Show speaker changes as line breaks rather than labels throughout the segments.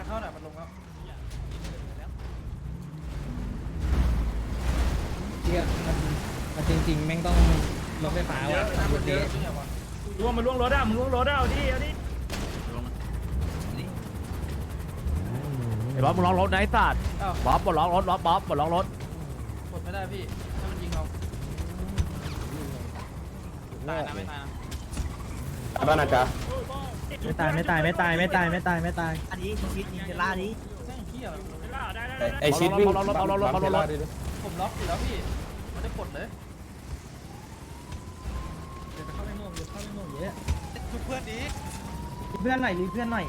างเข้าหน่อยมันลงแล้ว
เนี่ยมันจริงๆแม่งต้องรถไฟฟ้าว่ะรถนี้
ล่วงมันล่วงรถอ่ะมึงล่วงรถอ่ะเอาดิเอาดิไอ้บ๊อบมึงล็อกรถนะไอ้สัตว์บ๊อบปลดล็อกรถบ๊อบปลดล็อกรถ
กดไม่ได้พี่ถ้ามันยิงเราตายนะไม่ตายนะ
บ้านอาจารย์
ไม่ตายไม่ตายไม่ตายไม่ตายไม่ตายไม่ตาย
อันนี้ชิดยิงจะล่านี้
แม่งเหี้ย
ไอชิดวิ่ง
เอารถ
ผมล็อกอยู่แล้วพี่ไม่ได้กดเลย
เดี๋ยวจะเข้าไปม่วงเดี๋ยวเข้าไปม่วงเยอะ
ชุบเพื่อนดี
เพื่อนหน่อยรีเพื่อนหน่อย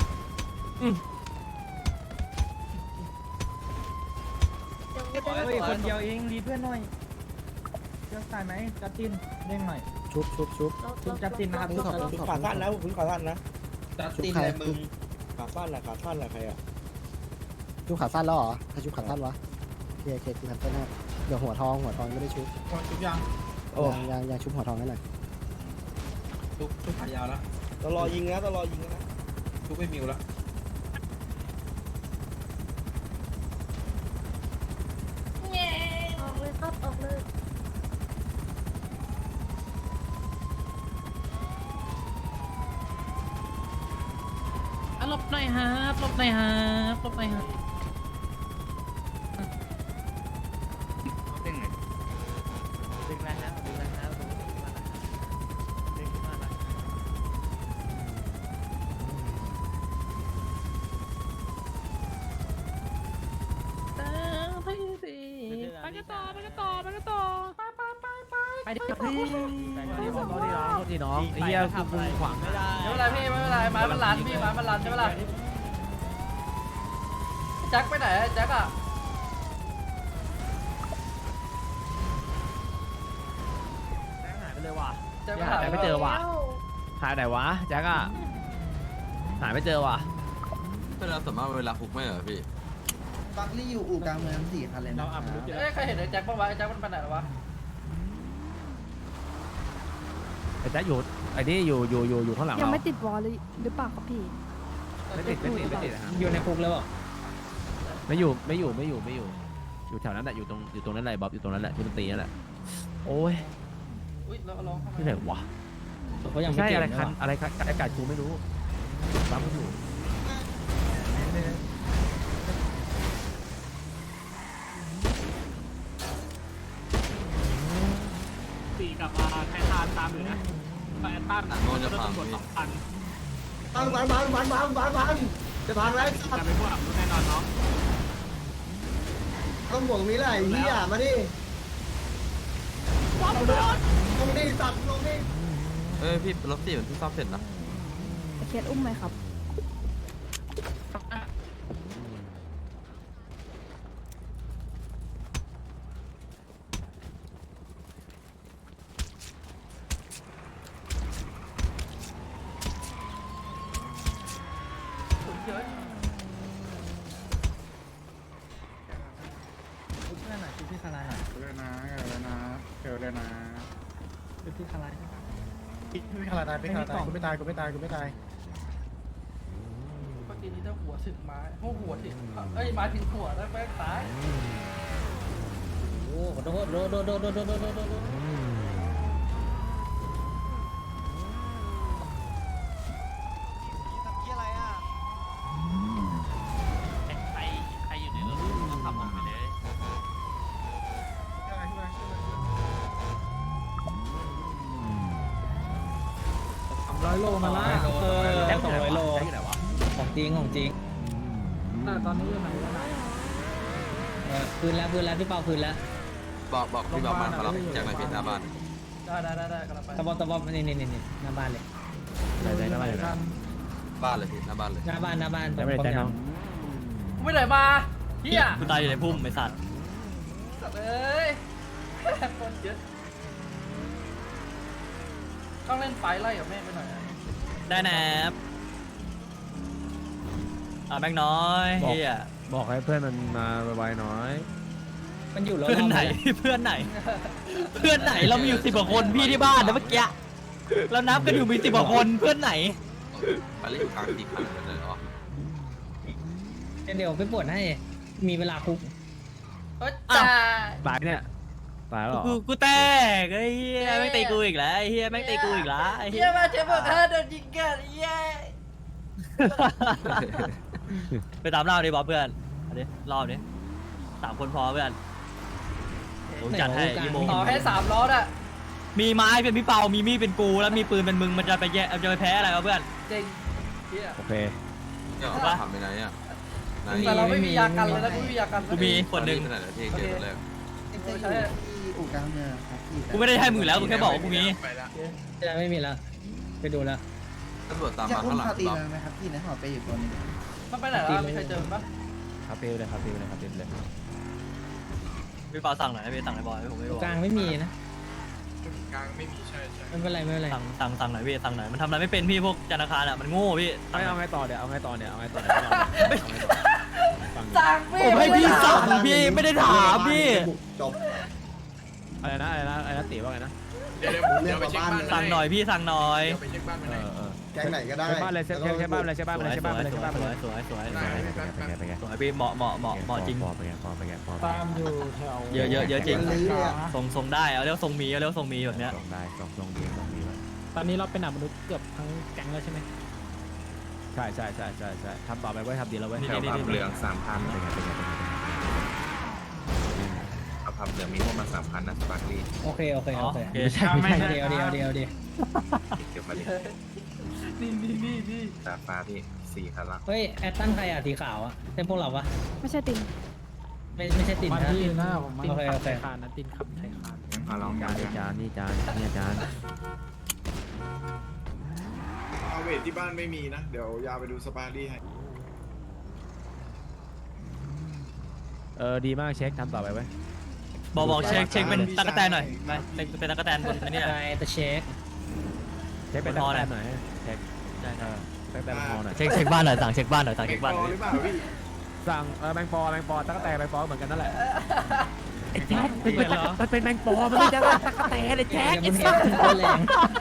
เฮ้ยคนเดียวเองรีเพื่อนหน่อยเชื่อตายไหมจัดจินเด้งหน่อยชุบชุบจัดจินนะครับชุบ
ขาสั้นนะคุณขาสั้นนะ
จัดตีนเลยมึง
ขาสั้นแหละขาสั้นแหละใครอ่ะ
ชุบขาสั้นแล้วเหรอถ้าชุบขาสั้นวะเคเคกูทำเต้นให้เดี๋ยวหัวทองไม่ได้ชุบ
ชุบยัง
ยังชุบหัวทองให้หน่อย
ชุบขายาวแล้ว
ตลอยิงนะตลอยิงนะ
ชุบไม่มิวแล้ว
ออกเลยครับออกเลย
ลบหน่อยฮะลบหน่อยฮะลบหน่อยฮะดึงแล้วฮะดึงแล้วฮะดึงมาแล้วไปกันต่อไปกันต่อไปกันต่อไปดิพี่
ที่น้องไอ้เหี้ยกูขวางไม่ได้
ไม่เป็นไรพี่ไม่เป็นไรไม้มันลันพี่ไม้มันลันใช่ไหมล่ะแจ็คไปไหนแจ็คอะ
หายไปเลยว่ะ
แจ็ค
หายไม่เจอว่ะหายไหนวะแจ็คอะหายไม่เจอว่ะ
เวลาสมมติเวลาคุกไม่เหรอพี่
บักลี่อยู่อู่กลางเมือง4 คันเลยนะ
เอ้ยใครเห็นไอ้แจ็คบ้างวะไอ้แจ็คมันไปไหนวะ
ไอ้แจ็คอยู่ไอ้นี่อยู่ข้างหลัง
ยัง
เรา
ไม่ติดวอลเลยหรือเปล่าครับพี่
ไม่ติดนะครับ
อยู่ในคุกแล้วเหรอ
ไม่อยู่อยู่แถวนั้นแหละอยู่ตรงนั้นแหละบ๊อบอยู่ตรงนั้นแหละที่มันตีนั่นแหละโอ้ย
อุ้ยเราลองเข้ามา
ที่ไหนวะ
เขายังไม่
ใช่
เก็บ
อะไร
เลย
คัน
ว่ะ
อะไรคันอากาศกูไม่รู้ปั๊มไม่อยู่
ตีกลับมาแค่ทานตามอยู่นะไปแอตตัน
โดนจะพัง
ตำรวจ
พี่
2,000
พังจะพังแล้ว
จะไม่พวกแน่นอนเนาะ
ต้องบอกนี้แหละเฮียมาดิลงดิสัตว์ลงดิ
พี่รถสี่มันเพิ่งซ่อมเสร็จนะ
เคสอุ้มไหมครับ
สุดเยอะ
ชุบเพื่อนหน่อยชุบพี่คาราหน่อย
เลยนะเดี๋ยวเลยนะ
ชุบพี่คารา
ไม่ขนาดตายไม่ขนาดตายกูไม่ตายกูไม่ตายกูไม่ตาย
เมื่อกี้นี้ถ้าหัวถึงไม้หัวถึงเอ้ยไม้ถึงหัวแล้วแม่งตาย
โอ้โหโดดโดด
ใครอยู่ในรถก็ขับออกไปเลย
100 โลมาละ
แจ็ค
200 โล
แจ็คอยู่ไหนวะ
ของจริงของจริง
ตอนนี้อยู่ไหนวะ
พื้นแล้วพี่เปาพื้นแล้ว
บอกพี่บอกมารับจากไหนพี่หน้าบ้าน
ได้กำลังไป
ตะบอมนี่หน้าบ้านเลย
ไหนแจ็คหน้าบ้านอยู่ไหน
บ้านเลยพี่หน้าบ้านเลย
หน้าบ้าน
แจ็คไม่ได้แจ็คน้อง
กูไม่ไหนมาเฮีย
กูตายอยู่ในพุ่มไอ้สัตว์
สัตว์เอ้ยคนเยอะต้องเล่นไฟไล่กับแม่ไปหน่อย
ได้แนบแบงค์น้อยเฮีย
บอกให้เพื่อนมันมาไวๆหน่อย
มันอยู่รอบ
เพื่อนไหนเพื่อนไหน เพื่อนไหนเรามีอยู่10 กว่าคนพี่ที่บ้านนะเมื่อกี้เรานับกันอยู่มี10 กว่าคนเพื่อนไหน
ไปเล่นกลางตีขันกันเลยเหรอ
เฮ้ย
แจ็คอยู่ไหนวะ
เฮ้ย
แจ็คอยู่ไหนวะ
บอกให้เพื่อนมันมาไวๆหน่อย
เพื่อนไหนเพื่อนไหน
เพื่อนไหนเรามีอยู่10 กว่าคนพี่ที่บ้านนะเมื่อกี้เรานับกันอยู่มี10 กว่าคนเพื่อนไหน
ไปเล่นกลางตีขันกันเลยเหรอ
เดี๋ยวไปปวดให้มีเวลาคุก
ตายเนี่ยตายแล้วเหรอ
กูแตกไอ้เหี้ยแม่งตีกูอีกแล้วไอ้เหี้ยแม่งตีกูอีกแล้วไอ้เหี้
เฮี
ย
ยมาเจ็บปวดขาโดนยิงกันเฮีย
ไปตามเล่าดิบอสเพื่อนเอาดิรอบดิ3 คนพอเพื่อนผมจัดให้อีโม
ต่อให้3 ล้อน่ะ
มีไม้เป็นพี่เปามีมีดเป็นกูแล้วมีปืนเป็นมึงมันจะไปแย่จะไปแพ้อะไรวะเพื่อน
จริงเฮีย
โอเค
เนี่ยทำไปไหนอ่ะไหน
แต่เราไม่มียากันเลยนะกูไม่มียากัน
กูมีคนหนึ่ง
ขนาดที่เจอคนแรก
ใช่
อู่กลางเมืองครับพี่
กูไม่ได้ให้มึงอยู่แล้วกูแค่บอกว่ากูมี
จะไม่มีแล้วไปดูแล้ว
ตำรวจตามมาข้างหลัง
ตี
เรา
ไหมครับพี่ในหอไปอยู่ตัวนึง
มันไปไหนแล้วมีใครเจอปะ
ครับเปลเลยครับเปลเลยครับเปลเลย
พี่เปาสั่งหน่อยพี่สั่งหน่อยบอยผมไม่รู้
กลางไม่มีนะ
กลางไม่มีใช่
ไม่เป็นไรไม่เป็นไร
สั่งหน่อยพี่สั่งหน่อยมันทำอะไรไม่เป็นพี่พวกธนาคารอ่ะมันโง่พี่
เอาไงต่อเดี๋ยวเอาไงต่อเนี่ยเอาไงต่อเนี่ย
สั่งพี่
ผมให้พี่สั่งพี่ไม่ได้ถามพี่
จบ
อะไรนะตีว่าไงนะ
เรื่องกับบ้าน
สั่งหน่อยพี่สั่งหน่อย
แก๊งไหนก็ได้
ใช้บ้านเลยใช้บ้านเลยใช้บ้านเลยใช้บ้านเลยใช้บ้านเลย
สวย
ไปไง
สวยพี่เหมาะจริง
พอไปไง
ตามอยู่แถว
เยอะจริง
ลื้ออ่ะ
ทรงได้เอาเรียกทรงมีแบบเนี้ย
ส่งได้ส่งดี
ตอนนี้เราเป็นหนักมนุษย์เกือบทั้งแก๊งแล้วใช่ไหม
ใช่ทำต่อไปไว้ทำดีแล้วไว้
แถวผับเหลือง3,000
เป็นไง
เอาผับเหลืองมีพวกมา3,000นะสปาร์คลี่
โอเค
ไม่ใช่
เดี๋ยว
เก็บมาดิ
นี่
ดาฟ้าพี่4 คันละ
เฮ้ยแอตตันใครอ่ะสีขาวอ่ะเป็นพวกเราปะ
ไม่ใช่ติน
ไม่ใช่ตินนะ
ติน
โอเค
ขับไทยคานนะตินขับไทยคาน
งั้นมาลองกัน
จานนี่จานนี่จาน
เอาเวทที่บ้านไม่มีนะ เดี๋ยวยาไปดูสปารี่ให้
ดีมากเช็คทำต่อไปไว้
บอกเช็คเป็นตะกแตนหน่อยไปเป็นตะกแตนบนนี่แหละ
ไงแต่เช็ค
เช็คเป็นตะแกรงหน่อยเช็คตะแกรงพอหน่อย
เช็คบ้านหน่อยสั่งเช็คบ้านหน่อยสั่ง
เก็
เช็
บ
คบ้าน
พอหรือเปล่าพี่
สั่งแมงปอตะแกรงแมงปอเหมือนกันนั่นแหละไอ้แจ็คมันเป็นแมงปอมันไม่ใช่ตะแกรงไอ้แจ็ค
เดี๋ยวมันเห็นตัวแรง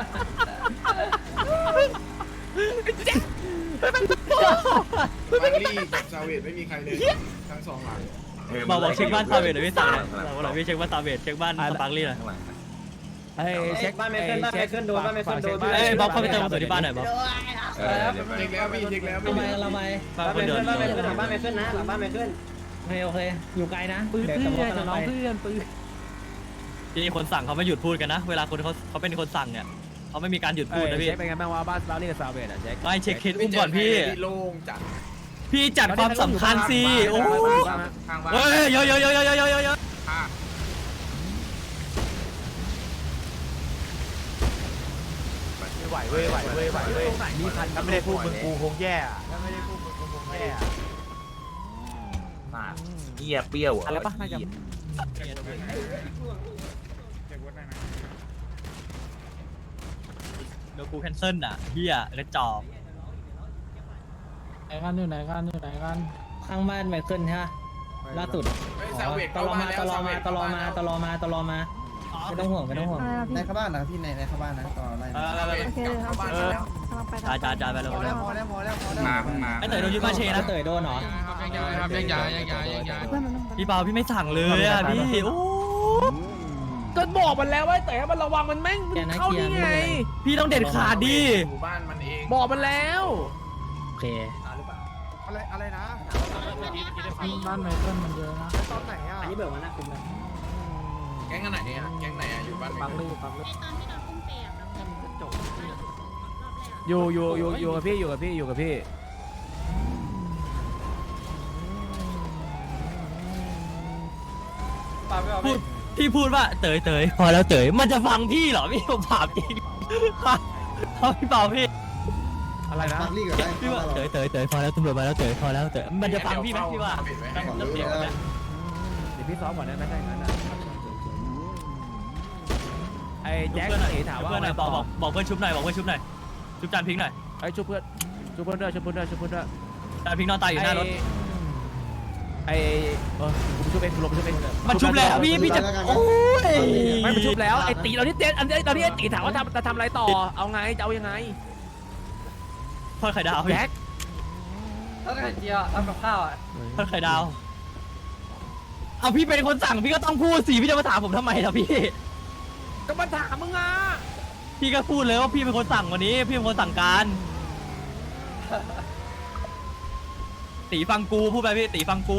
สปารี่กับซาเวตไม่มีใครเลยทั้ง2 หลัง
บอกเช็คบ้านซาเวดหน่อยพี่สั่งหน่อยพี่เช็คบ้านซาเวดเช็คบ้านสปาร์คลี่หน่อย
ข้างหลัง
ไอ้เช็คบ้านไม่ขึ้นบ้าน
เอ้ยบ๊อบเข้าไปเติมกระสุนที่บ้านหน่อยบ๊อบ
เดี๋ยวไป
เช็คแล้วพี่เช็คแล้ว
ทำไมเราไป
บ้านคนเดิน
โอเคอยู่ไกลนะ
ปืน
เดี๋ยว
เพื่
ตำรวจ
อน
กำลัง
น้อง
ไป
เพื่อนปืน
ที่คนสั่งเขาไม่หยุดพูดกันนะ เวลาคนเขาเป็นคนสั่งเนี่ยเขาไม่มีการหยุดพูดนะพี่
เช็คเป็นไงบ้างว่าบ้านสปาร์ลี่กับซาเวดอ่ะเช็ค
ไม่เช็คเคสอุ้มก่อนพี่
โล่งจัด
พี่จัดความสำคัญสิโอ้
ข้างบ้าน
เฮ้ยเยอะ
ไหวเว้ยถ้าไม่ได้พูดมึงกูคงแย่ถ้าไม่ได้พูดมึงกูคงแย่
เหี้ยเปรี้ยว
อะไรปะน่าจะ
เดี๋ยวกูแคนเซิลอ่ะเฮียกระจอก
ไหนกันอยู่ไหนกัน
ข้างบ้านไมเคิลใช่ไหมล่าสุดตลอมาไม่ต้องห่วง
อะไรนะพี่
ในเข้าบ้านนะพี่ในเข้าบ้านนะต่อไล่
โอเคเลยครับกำลังไป
จ่ายไปแล้ว
พอแล้ว
มาเพิ่งมา
ไอ้เต๋อโดนยึดบ้านเชนะ
เตยโดนเหรอ
เพื่อนมันต้อง
พี่เปาพี่ไม่สั่งเลยอ่ะพี่โอ้
ก็บอกมันแล้วว่าแต่มันระวังมันแม่งเข้านี่ไง
พี่ต้องเด็ดขาดดิ
หมู่บ้านมันเอง
บอกมันแล้ว
โอเค
อะไรนะ
บ้านไมเคิลมันเยอะนะ
ตอนไหนอ่ะ
อันนี้เบิกมาหน้าคุ้มเลย
แก๊งไหนอ่ะแก๊งไหนอ่ะอยู่บ้าน
ปัง
ไม่
ลือปังลือ
อยู่กับพี่อยู่กับพี่
พูดพี่พูดว่าเต๋ยพอแล้วเต๋ยมันจะฟังพี่เหรอพี่ผมถามจริงเขาพี่เปาพี่
อะไรนะ
ปาร์ลี่ก็ได้
พี่ว่าเต๋ยพอแล้วตำรวจมาแล้วเต๋ยพอแล้วเต๋ยมันจะฟังพี่ไหมพี่ว่า
ขอรู้แล้ว
เดี๋ยวพี่ซ้อมก่อนได้ไหมได้งั้นนะไอ้แจ็คเอ๋ถามว่า
เพื่อนหน่อยบอกเพื่อนชุบหน่อยชุบจานพิงหน่อย
ไอ้ชุบเพื่อนด้วย
จานพิงนอนตายอยู่หน้ารถ
ไอ้กูชุบเองกูลงชุบเอง
มันชุบแล้วพี่จะโอ้ย
ไม่มันชุบแล้วไอ้ตีเราที่เต้นอันนี้ตอนที่ไอ้ตีถามว่าจะทำอะไรต่อเอาไงจะเอายังไง
พ่อไข่ดาว
แจ็ค
แล้วไข่เจียวทำกับข้าวอ่ะ
ทอดไข่ดาวเอาพี่เป็นคนสั่งพี่ก็ต้องพูดสิพี่จะมาถามผมทำไมล่ะพี่
ก็มาถามมึงอ่ะ
พี่ก็พูดเลยว่าพี่เป็นคนสั่งวันนี้พี่เป็นคนสั่งการตีฟังกูพูดไปพี่ตีฟังกู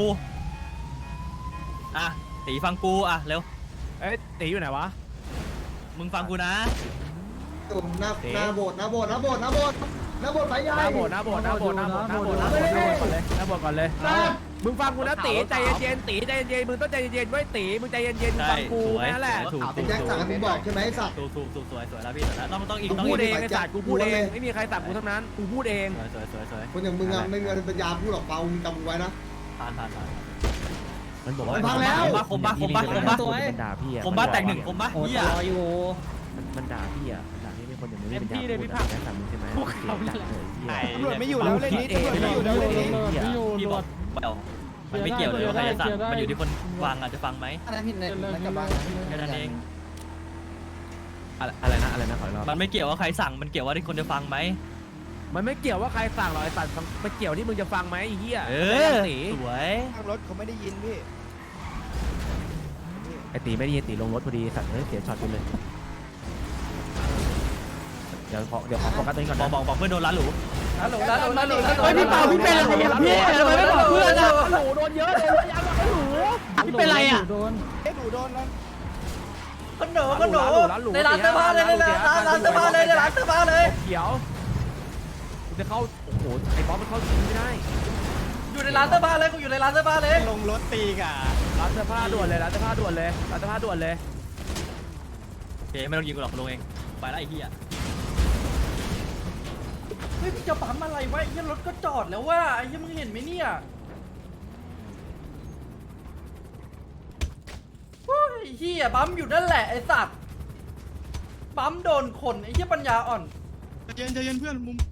อ่ะตีฟังกูอ่ะเร็ว
เอ้ยตีอยู่ไหนวะ
มึงฟังกูนะ
ตุ่มหน้าโบสถ์ไปใหญ่
หน้าโบสถ์ก่อนเลยมึงฟังกูนะตีใจเย็นๆตีใจเย็นๆมึงต้องใจเย็นๆไว้ตีมึงใจเย็นๆมึงฟังกูแค่นั้นแหละ
ถูก
เป็นแจ็คสั่งให้มึงบอกใช่ไหมไอ้สัตว์
ถูกสวยแล้วพี่สวยแล้วต้องอีก
กู
ต้อง
พู
อี
ด
ก
เองไอ้สัตว์กูพูดเองไม่มีใครสั่งกูทั้งนั้นกูพูดเอง
สวย
คนอย่างมึงอะไม่มีปัญญาพูดหรอกเปล่ามึงจำไว้นะ
ผ่าน
มันบอกว่า
พังแล้ว
คมบ้า
มันด่าพี่อะ
คมบ้าแตกหนึ่งคมบ้าเฮีย
มันด่าพี่อะมันด่าพี่เป็นคนอย่างมึงไม่เป็นด่าพี่ด่าแค่สั่งมึงใช่ไหมด่าเลย
ตำรวจไม่อยู่แล้วเล่นนี้ตำรวจไม่อยู่แล้วเล่นนี้
พี่บอกมันไม่เกี่ยวเลยว่าใครจะสั่งมันอยู่ที่คนฟังอาจจะฟังไหม
อะไรผิดในกระบัง
แค่นั้นเอง
อะไรนะขออีกรอบ
มันไม่เกี่ยวว่าใครสั่งมันเกี่ยวว่าที่คนจะฟังไหม
มันไม่เกี่ยวว่าใครสั่งหรอกไอ้สัตว์มันเกี่ยวที่มึงจะฟังไหมไอ้เหี้ย
สวย
ทางรถเขาไม่ได้ยินพี่
ไอ้ตีไม่ได้ยินตีลงรถพอดีสัตว์เสียช็อตไปเลยเดี๋ยวขอโฟกัสตัวนี้ก่อน
บอกเพื่อนโดนร้านหรู
ฮัลโหลฮัลโหล
เฮ้ยพี่เป่าพี่เป็นอะไรอ่ะพี่ทำไมไม่บอกเพื่อนอ่ะ
หนูโดนเยอะเลยยาวหนู
พี่เป็นอะไรอ่ะ
โดนหนูโดนแล้ว
ขนมในร้านเสื้อผ้าเลยในร้านเสื้อผ้าเลยในร้านเสื้อผ้าเลย
เขียวกูจะเข้าโอ้โหไอ้บอสมันเข้าจริงไม่ได้
อยู่ในร้านเสื้อผ้าเลยกูอยู่ในร้านเสื้อผ้าเลย
ลงรถตีกะ
ร้านเสื้อผ้าด่วนเลยร้านเสื้อผ้าด่วนเลยร้านเสื้อผ้าด่วนเลย
โอเคไม่ต้องยิงกูหรอกลงเองไปแล้วไอ้เหี้ย
เฮ้ยจะปั๊มอะไรวะไอ้รถก็จอดแล้วว่าไอ้มึงเห็นไหมเนี่ยเฮ้ยเฮียปั๊มอยู่นั่นแหละไอ้สัตว์ปั๊มโดนคนไอ้เหี้ยปัญญาอ่อน
ใจเย็นเพื่อนมุม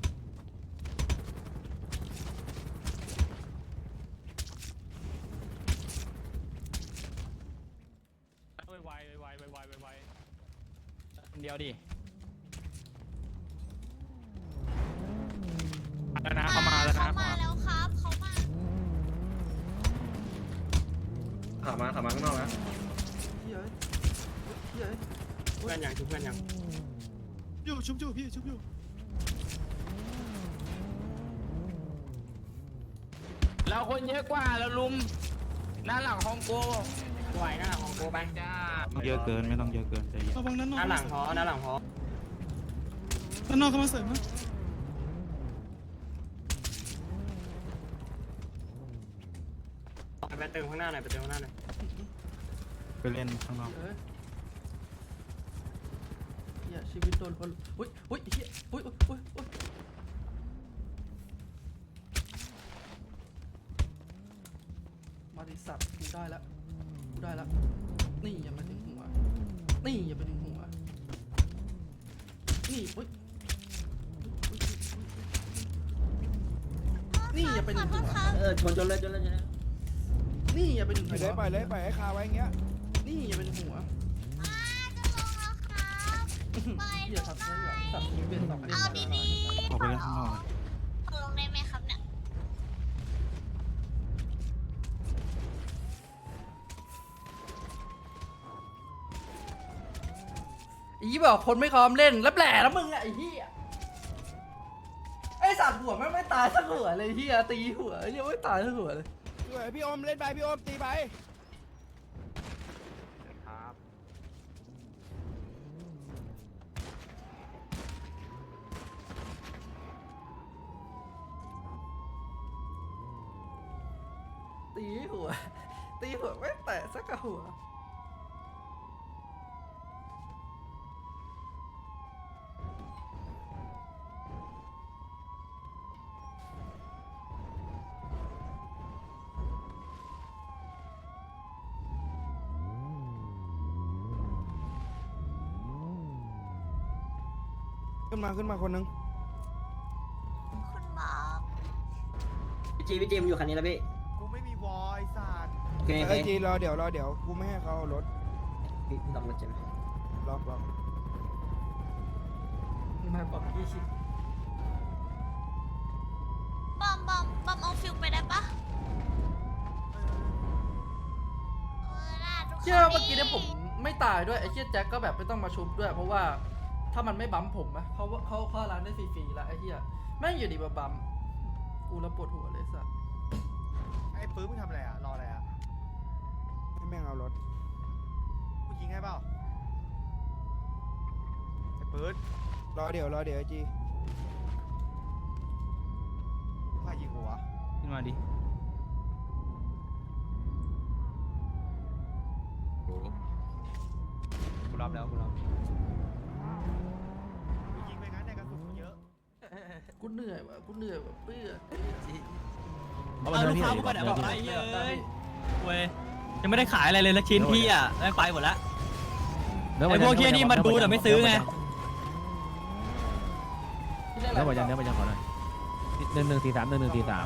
ไวเดียวดิแล้วนะเข้ามาแล้วนะ
มาแล้วครับเขามา
ขับมาข้างนอกนะ
เพื่อนยังชุบเพื่อนยัง
อยู่ชุบอยู่พี่ชุบอยู่
เราคนเยอะกว่าเราลุมหน้าหลังของโกไหวหน้าหลังของโกไปจ้า
เยอะเกินไม่ต้องเยอะเกินใจเย็น
ระวังนั้นนอก
หน้าหลังพอ
ด้านนอกเขามาเสริมนะ
ไปเติมข้างหน้าหน่อยไปเติมข้างหน้าหน่อย
ไปเล่นข้างนอก
เฮียชีวิตโดนคนอุ้ยเฮียอุ้ยมาดิสัตว์กูได้แล้วนี่อย่ามาถึงหัวนี่อย่าไปถึงหัวนี่อุ้ยนี่อย่าไปถึงหัว
ชนเลย
นี่อย่าไปถึงหัว
ไปเลยปล่อยให้คาไว้อย่างเงี้ย
นี่อย่าไปถึงหัว
ไป
อย่าทำเลยสัตว์ชีวิตสอง
เอาดี
ออกไปเล่นข้างนอก
ๆตกลงได้ไหมครับเนี่ย
อีบอกคนไม่พร้อมเล่นแล้วแหล่แล้วมึงอะไอ้เหี้ยไอ้สัตว์หัวไม่ตายสักหัวเลยเหี้ยตีหัวยังไม่ตายสักหัวเลย
พี่อมเล่นไปพี่อมตีไป
ตีหัวไม่แตะสักหัว
ขึ้นมาคนนึง
คุณหมอ
พี่จีมอยู่คันนี้แล้วพี่
กูไม่มีวอยศาสตร์
โอเค
ไอ้จีรอเดี๋ยวกูไม่ให้เขาเอารถ
พี่ต้องรถใช่ไหม
ล็อก
มาบอก20
บอมอมเอาฟิลไปได้ปะ
เชื่อเมื่อกี้เนี่ยผมไม่ตายด้วยไอ้เชี่ยแจ็คก็แบบไม่ต้องมาชุบด้วย เพราะว่าถ้ามันไม่บั๊มผมนะเขาร้านได้ฟรีๆแล้วไอ้เหี้ยแม่งอยู่ดีมาบั๊มกูแล้วปวดหัวเลยสัส
ไอ้ปื้มมึงทำอะไรอ่ะรออะไรอ่ะให้แม่งเอารถกูยิงให้เปล่าไอ้ปื้มรอเดี๋ยวไอ้จีใครยิงกูวะ
ขึ้นมาดิ
กูรับแล้วกูรับ
กูยิงไปงั้นในกระสุนเยอะ
กูเหนื่อยว่ะกูเหนื่อยว่ะเพื่อน
เอาลูกค้ากูไปไหนบอกไอ้เหี้ยเอ้ยเว้ยยังไม่ได้ขายอะไรเลยละชิ้นพี่อ่ะแม่งไปหมดละไอ้พวกเหี้ยนี่มันดูแต่ไม่ซื้อไง
ที่เล่นอะไร
เนื้อหมดยังเนื้อหมดยังขอหน่อย1143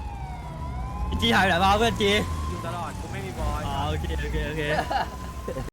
จีหายไปไหนมาเพื่อนจี
อยู่ตลอดกูไม่มีบอล
อ๋อโอเค